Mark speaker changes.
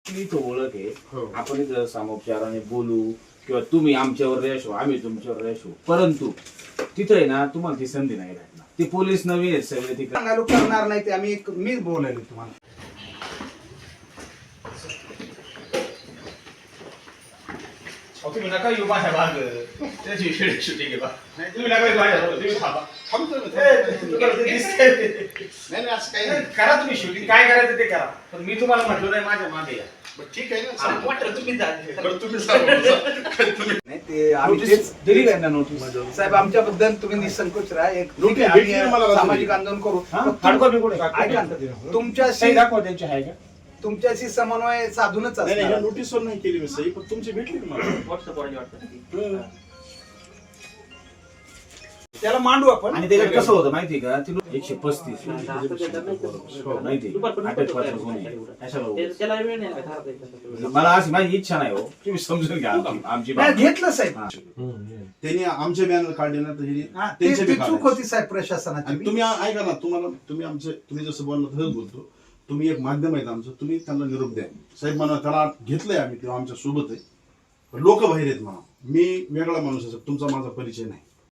Speaker 1: इथं ओळख आहे.
Speaker 2: हो.
Speaker 1: आपण इथं सामोपचाराने बोलू किंवा तुम्ही आमच्यावर रेश हो, आम्ही तुमच्यावर रेश हो, परंतु तिथं आहे ना तुम्हाला ती संधी नाही राहणार. ते पोलीस नवीन आहेत सगळे तिकडे.
Speaker 2: सांगायला करणार नाही ते आम्ही मी बोलायलो तुम्हाला.
Speaker 3: तुम्ही नका येऊ माझ्या भाग त्याची शूटिंग आहे बा. तुम्ही नका येऊ माझ्या भाग, तुम्ही थांबा. तुम्हाला ते दिसतंय.
Speaker 4: नाही नाही असं काही
Speaker 3: नाही,
Speaker 4: नाही.
Speaker 3: करा तुम्ही शूटिंग काय करायचं ते करा, पण मी तुम्हाला म्हटलं नाही माझ्या मागे या.
Speaker 4: बरं, ठीक आहे ना
Speaker 3: हा,
Speaker 4: सांगा.
Speaker 3: वाटलं तुम्ही जा.
Speaker 4: बरं, तुम्ही सांगा. तुम्ही
Speaker 2: नाही ते आम्ही
Speaker 1: नोटीस
Speaker 2: तेच
Speaker 1: दिली काय ना नोटीस?
Speaker 2: साहेब आमच्याबद्दल तुम्ही निसंकोच राहा. एक ठीक
Speaker 4: नोटीस
Speaker 2: आहे,
Speaker 4: भेटली ना
Speaker 2: आम्ही
Speaker 4: मला
Speaker 2: सामाजिक
Speaker 4: रात्री.
Speaker 2: आंदोलन करू.
Speaker 1: हा?
Speaker 2: पण
Speaker 1: हार्डकॉपी कुठे?
Speaker 2: ऐका ना,
Speaker 1: सही
Speaker 2: तुमच्याशी
Speaker 1: दाखवा त्यांची आहे का?
Speaker 2: तुमच्याशी समन्वय साधूनच
Speaker 4: नाही नाही ह्या
Speaker 2: असणार.
Speaker 4: नोटीसवर नाही केली मी सही, पण तुमची भेटली ना मला.
Speaker 2: त्याला मांडू आपण.
Speaker 1: आणि त्याच्यात कसं होतं माहिती का? ती 135 माहिती अटकपात्र गुन्हे कशाला उगाच? मला अशी माझी इच्छा नाही हो, तुम्ही समजून घ्या आमची
Speaker 2: नाही,
Speaker 1: बाब.
Speaker 2: घेतलं साहेब.
Speaker 1: हा.
Speaker 4: त्यांनी आमचे बॅनर काढले ना तर ह्यांनी
Speaker 2: हा,
Speaker 4: त्यांचे
Speaker 2: ती
Speaker 4: बी
Speaker 2: चूक
Speaker 4: काढायचे.
Speaker 2: होती साहेब प्रशासनाची.
Speaker 4: आणि तुम्ही ऐका ना, तुम्ही जसं बोलला तसंच बोलतो. तुम्ही एक माध्यम आहेत आमचं, तुम्ही त्यांना निरोप द्या. साहेब म्हणा त्याला घेतलंय आम्ही, तेव्हा आमच्या सोबत आहे. लोक बाहेर आहेत म्हणा. मी वेगळा माणूस आहे, तुमचा माझा परिचय नाही.